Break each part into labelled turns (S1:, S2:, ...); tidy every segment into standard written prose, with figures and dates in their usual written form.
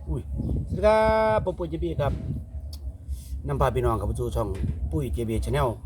S1: อุ้ยสวัสดีครับผมปุ้ยเจบีครับนำพาพี่น้องเข้าสู่ช่องปุ้ยเจบีชาแนล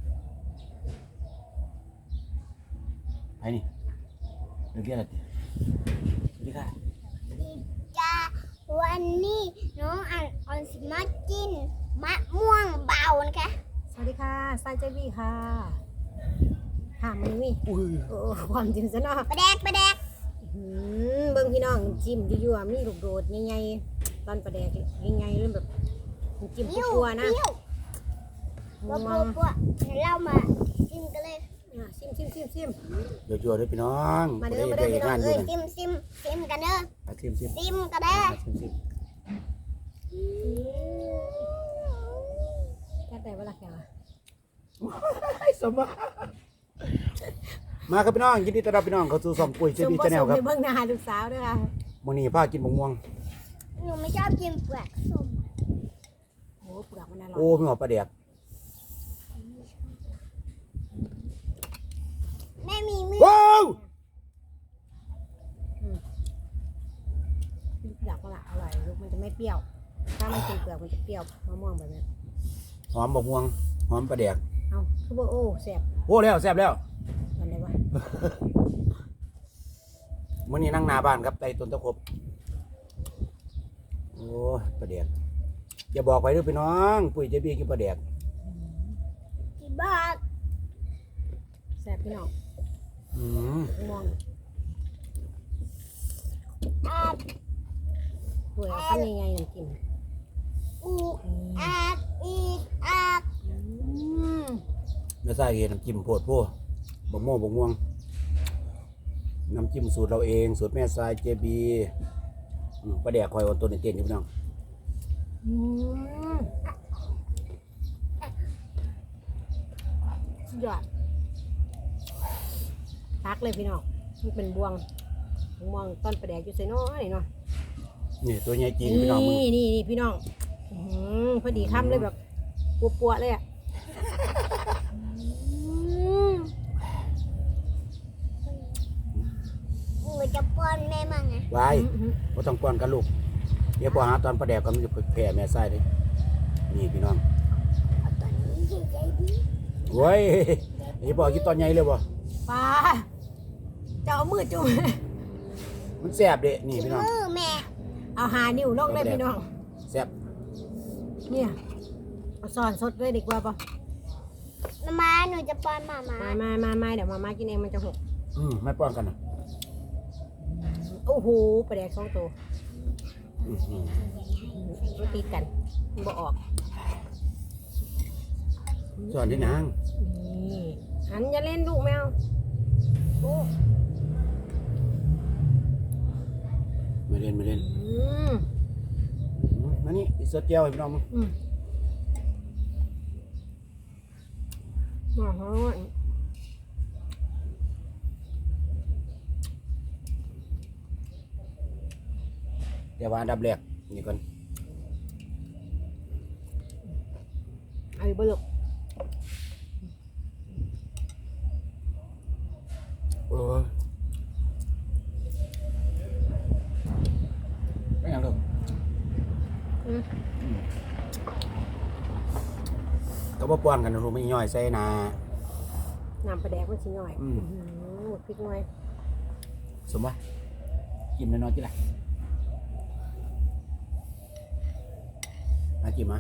S1: ไปนี่เรื่องอะไรติสวัสดีค่ะ
S2: จ้าวันนี้น้องอันสิมากินมะม่วงเบานะคะ
S3: สวัสดีค่ะซายเจบี้ค่ะถามมันนี่
S1: อุ้ย
S3: โอ้ความจริงซะเนาะ
S2: ปลาแดก
S3: เบิ่งพี่น้องจิ้มยั่วๆมีลูกโดดใหญ่ๆตอนประแดกใหญ่ๆเริ่มแบบจิ้ม
S2: ปิ้ว
S3: ปัวๆนะ
S2: ปิ้ว
S3: มา
S2: ปัวเดี๋ยวเรามาชิมกันเลย
S3: ชิม
S1: เดี๋ยวๆด้วยพี่น้อง
S3: มาเด้อ
S1: ได้
S3: พี่น้อง
S1: งานอยู่นะ
S2: ชิมกันเด้อ
S1: ชิม
S2: ชิมกันเด้อ
S1: ชิม
S3: แค่แต่เวลาแกวะ
S1: ให้สมมาครับพี่น้องยินดีต้อนรับพี่น้องเข้าสู่ช่องปุ้ยเจบีชาแนลครับ
S3: ในเบื้องหน้าลูกสาวด้วยค่ะ
S1: มื้อนี้พากินมะม่วง
S2: หนูไม่ชอบกินเปลือกส้ม
S3: โอ้เปลือกมันอร่อย
S1: โอ้พี่หมอปลาแดก
S2: แม่มีมือ
S1: ว้าว
S3: เปลือกมันอร่อยลูกมันจะไม่เปรี้ยว ถ้ามันกินเปลือกมันจะเปรี้ยวมะม่วงแบบนี้
S1: หอมมะม่วงหอมปลาแดก
S3: เอาคือว่าโอ้แซ่บ
S1: โอ้แล้วแซ่บแล้ว
S3: มันได้วะ
S1: มื่อนี้นั่งหน้าบ้านครับไต่ต้นตะครบโอ้ประเดียกอย่าบอกไปด้วยพี่น้องปุ้ยเจบีกินประเดียก
S2: กี่บาท
S3: แซ่บพี่น้อง
S1: อืม
S3: มะม่วง
S2: อาด
S3: สวยข้าวใหญ่ๆน้ำกิน
S2: อูอาดอีกอาด
S1: ไม่ใส่เห็นน้ำจิ้มโพดพวกบะม่วงน้ำจิ้มสูตรเราเองสูตรแม่ทรายเจบีประเดียกคอยออนตัวเต้นๆอยู่พี่น้อง
S3: สุดยอดพักเลยพี่น้องมันเป็นบวงต้นประแดกอยู่ใส่น้อยเนาะ
S1: นี่ตัวใหญ่จริงพี่น้องมึง
S3: นี่พี่น้องพอดีคำเลยแบบปัวๆเลยอ่ะ
S2: หนูจะป้อนแม่มั่งไง
S1: ไว้ก็ต้องป้อนกันลูกเดี๋ยวพอหาตอนประเดียกก็มันจะแผ่แม่ทรายเลยนี่พี่น้อง
S2: เอาตอนนี้ใจดี
S1: โว้ยไอ้บอกกินตอนใหญ่เลยบ่
S3: ปลาจะเอามือจุ่ม
S1: มันแซ่บเด้นี่พี่น้อง
S2: มือแม่
S3: เอาหานิ้วลงเลยพี่น้อง
S1: แซ่บ
S3: เนี่ยเอาซอนสดเลยดีกว่าป่ะ
S2: มาหนูจะป้อนมา
S3: มาเดี๋ยวมากินเองมันจะหก
S1: ไม่ป้อนกันนะ
S3: โอ้โหประแดกสองตัวมันตีกันมันบ่ออก
S1: สอนที่นาง
S3: นี่หันอย่าเล่นลูกแมวโอ้
S1: ไม่เล่นมานี่อีสดเจียวให้พี่น้องมึง
S3: อ๋อ
S1: เดี๋ยวว่าอันดับแรกนี่ก่อน
S3: ไอ้บลุก
S1: โอ้ยไม่ยังลูกก็บ่ป้อนกันนะลูกไม่ย่อยใส่นา
S3: น้ำประแดกมันชิ้นหน่อยพริกหน่อย
S1: สมว่ากินน้อยๆจิล่ะมากินมา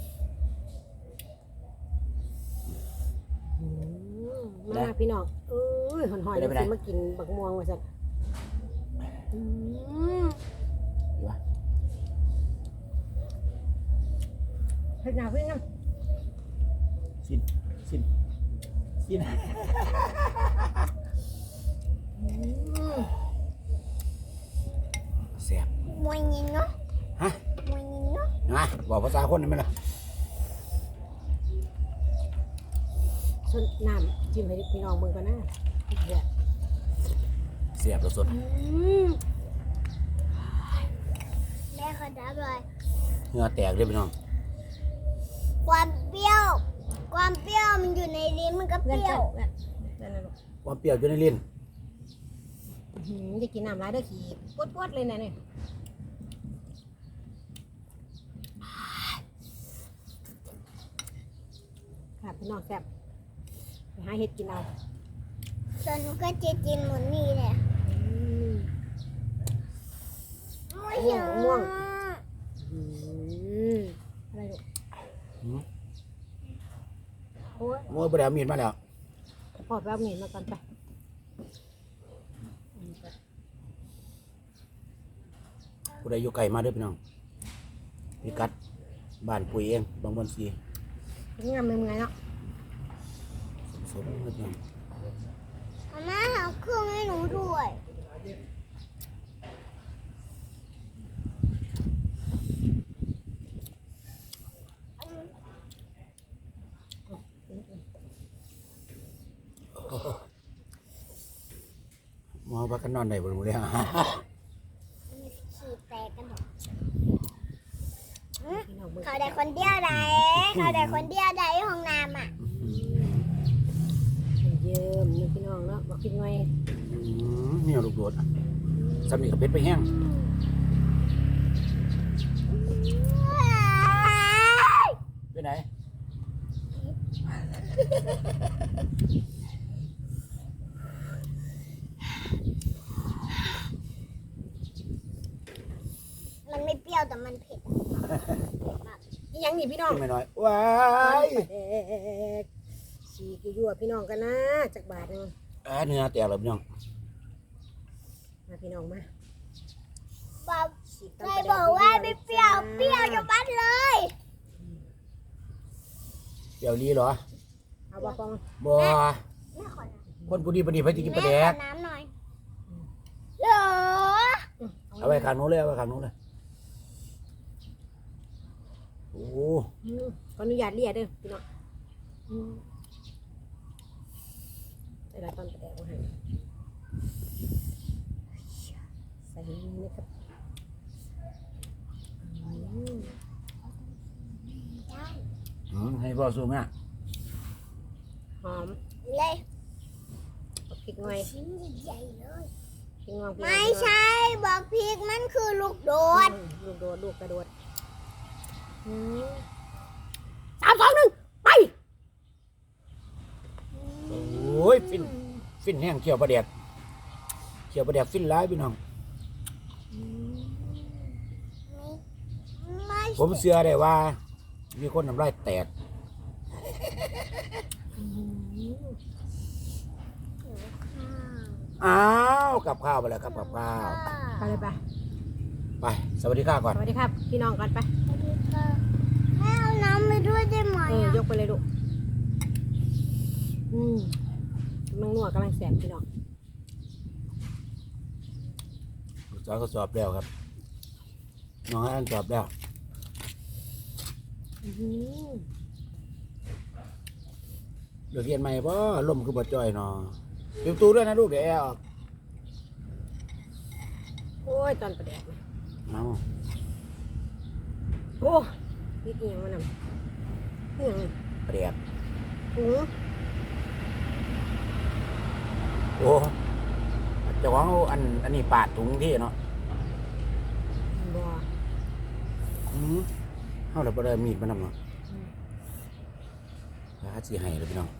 S3: มาพี่น้องหอนๆจะกินมากินบักม่วงมาสัก
S1: ดีวะ
S3: เฮ็ดหน้าเพื่อนนะ
S1: สินแซ่บ
S2: มวยยิงเนาะ
S1: ฮะ
S2: มวยยิงเนาะ
S1: นะบอกภาษาคนได้ไหมล่ะ
S3: ส่วนน้ำจิ้มให้พี่น้องเบิ่งก่อนนะเดี๋ยว
S1: เสียบสด
S2: แม่ขอดับเลย
S1: เหงื่อแตกเลยพี่น้อง
S2: ความเปรี้ยวมันอยู่ในลิ้นมันก็เปรี้ยว
S3: นั่นน่ะลูก
S1: ความเปรี้ยวอยู่ในลิ้น
S3: จะกินน้ำร้ายเด้อขี้ปวดๆเลยนะเนี่ยค่ะพี่น้องแซ่บไปหาเห็ดกินเอา
S2: ส่วนหนูก็จะกินหมดนี่แหละ
S3: อืม
S2: ไม่เยอะ
S3: ม่วง อืมอะไรลูก
S1: หืม
S3: โอ้ย
S1: โอ้ยบ่ได้เอามีดมาแล้ว
S3: พอแป๊บหนึ่งมาก่อนไปอืมไป
S1: ผู้ใดอยู่ไกลมาเด้อพี่น้องพิกัดบ้านปุ๋ยเองบางบอนสี
S3: งามเป็นไงเนาะ
S1: สมๆเด้อพี่น้อง
S2: มาม่าเอาเครื่องให้หนูด้วย
S1: หมอว่ากันนอนได้บ่รู้เลย
S2: ขีดแตกกันหมด
S3: พี่น้องเบิ่ง
S2: เขาได้คนเดียวใดเขาได้คนเดียวใดห้องน้ำอ่ะ
S3: เยิ้มนี่พี่น้องเนาะบอกกินไง
S1: มีเอาลูกโดดสำนีกับเป็ดไปแห้ง ไปไหน
S2: มันไม่เปรี้ยวแต่มันเผ็ดอะเผ็ดมาก
S3: อีหยังนี่พี่น้อง
S1: ขึ้นไปหน่อยว้าย
S3: แดกสีกี่ยั่วพี่น้องกันนะจากบาทหนึง
S1: เนื้อแตกแล้วพี่น้อง
S3: มาพี่น้องมา
S2: บอก
S3: สี
S2: ใครบอกว่าไม่เปรี้ยวเปรี้ยวจะบัดเลย
S1: เดี๋ยวนี้เหรอ
S3: เอาบ่ปอง
S1: บ่
S2: แม่ขอน้
S1: คนผู้ดีผู้ดีไปกิน
S2: ำ
S1: ปลา
S2: แม่
S1: แด
S2: ข
S1: ก
S2: อน้ำหน่อยเหรอ
S1: เอาไว้ข้างนู้นเลยเอาไว้ข้างนู้นเลยโอ้
S3: อืมขออนุญาตเรียกเด้อพี่น้องอืมใส่ละตอนประแดกมาให้ใส่นี่นะครับอืม
S1: ให้พ่อซูมนะ
S3: หอม
S2: เลย
S3: เอาพริกหน่อย
S2: ชิ้นใหญ่ๆเลย
S3: พริกงองพริก
S2: ไม่ใช่บอกพริกมันคือลูกโดด
S3: ลูกโดดลูกกระโดดอืม3 2 1ไป
S1: โอ้ยฟินแห้งเขียวปลาแดกเขียวปลาแดกฟินร้ายพี่น้อง
S2: ไม่
S1: ผมเชื่อได้ว่า มีคนน้ำลายแตก อ้าวกับข้าวไปแล้วครับกับข้าว
S3: ไปเลยไป
S1: ไปสวัสดีค่ะก่อน
S3: สวัสดีครับ พี่น้องกันไป
S2: แม่เอาน้ำไปด้วยได้ไหม
S3: ยกไปเลยลูกกำลังนัวกำลังแสบพี่น้อง
S1: ลูกสาวก็สอบแล้วครับน้องอันสอบแล้ว
S3: อื้อหือ
S1: เดี๋ยวเรียนใหม่ป่ะลมคือบ่จ่อยเนาะเดี๋ยวตูด้วยนะลูกเดี๋ยวแอร์ออก
S3: โอ้ยตอนประแดกนะ
S1: เอา
S3: โอ้นี่เอียงมันน่ะเอียง
S1: ปลาแดก
S3: ถุง
S1: โอ้เจะวางเอาอันนี้ปาดถุงที่เนาะ
S3: บัว
S1: เอาแล้วบ่ได้มีดมานำเนาะถ้าสิให้เลยพี่น้อง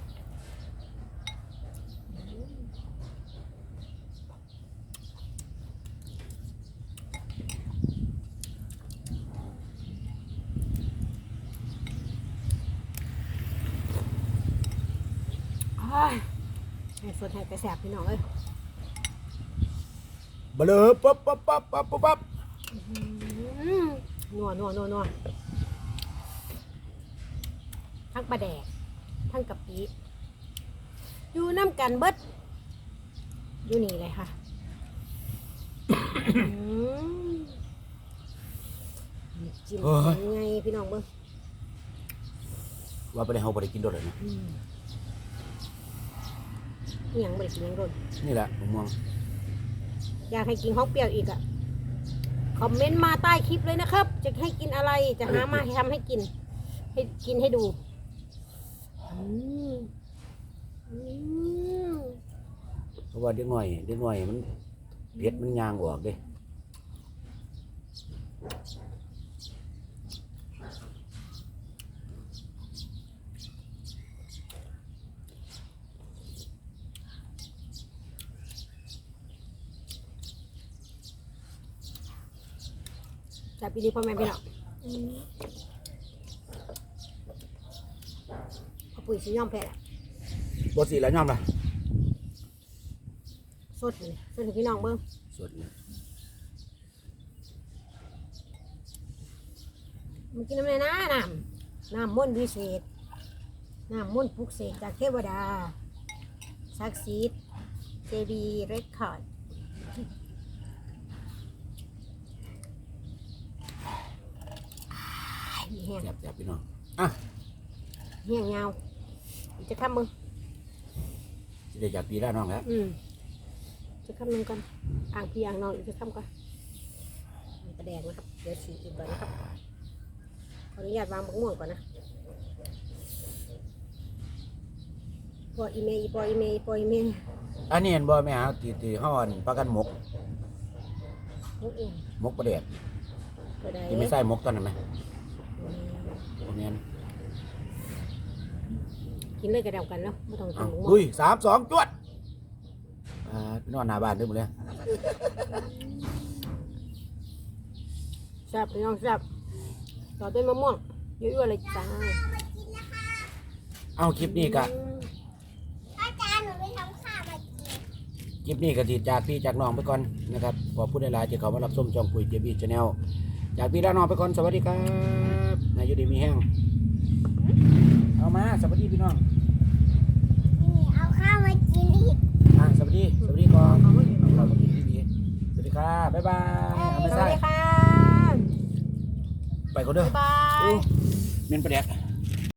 S3: ให้สดให้ไปแสบพี่น้องเอ้ย
S1: บ่เลยปั๊บปั๊บปั๊บปั๊บปั๊บ
S3: นัวทั้งปลาแดกทั้งกะปิอยู่น้ำกันเบิดอยู่นี่เลยค่ะจิ้มยังไงพี่น้องเบิ้ง
S1: ว่าบ่ได้เฮาบ่ได้กินโดดเลยนะ
S3: นี่ยังไม่ได้กินยังโดน
S1: นี่แหละมะม่วง
S3: อยากให้กินของเปรี้ยวอีกอ่ะคอมเมนต์มาใต้คลิปเลยนะครับ จะให้กินอะไรจะหามาให้ทำให้กิน ให้กินให้ดูอืม
S1: เพราะว่าเด็กน้อยมันเผ็ดมันยางออกเด้
S3: จับปีนี้พ่อแม่พี่น้องเอาปุ๋ยสีย่อมแพ้ละ
S1: บ่สิแล้วยอมล่ะ
S3: สดเลยสดให้พี่น้องเบิ่ง
S1: สดเลย
S3: มันกินน้ำในน้ำมนต์วิเศษน้ำมนต์ปลุกเสกจากเทวดาศักดิ์สิทธิ์เจดีเรคคอร์ดแห้ง
S1: แซ่บๆพี่น้องอ่ะ
S3: แห้งยาวจะทำมึง
S1: สิได้จากพี่แล้วน้องแล้ว
S3: จะทำมึงก่อนอ่างพี่อ่างนอนอีกจะทำก่อนมีประแดงนะครับเดี๋ยวฉีกอีกก่อนนะครับขออนุญาตวางมะม่วงก่อนนะปออีเมย์ปออีเมย์ปออีเมย์
S1: อันนี้เห็นบ่แม่หาที่เฮาอันประกันหมก
S3: มุกเอง
S1: หมกประเดด
S3: ก็ได้
S1: ที่ไม่ใส่หมกตอนนั้นไหมบ่แม่น
S3: กินเลยกระเดากันแล้วไม่ต้องกิ
S1: เอา
S3: นมะม่วง
S1: ลุย3 2จวดพี่นอนหน้าบ้านเด้อหมดเลย
S3: แซ่บพี่น้องแซ่บต่อด้วยมะม่วงเยอะๆเลยจ้า
S1: เอาคลิปนี้ก็
S2: อาจารย์หนูไปทำข้าวมากิน
S1: คลิปนี้ก็สิจากพี่จากน้องไปก่อนนะครับขอพูดหลายๆที่เขามารับชมช่องปุ๋ยเจบีชาแนลจากพี่และน้องไปก่อนสวัสดีครับนายอยู่ดีมีแห้งเอามาสวัสดีพี่น้อง
S2: นี่เอาข้าวมากินอีก
S1: สวัสดีก่อนเอาสวัสดีพี่สวัสดีครับบ๊ายบายเอาไม่
S3: ส
S1: ใช่
S3: วัสดีค่ะ
S1: ไปก่อนเด้อ
S3: บ๊ายบาย
S1: เมนประเด็ก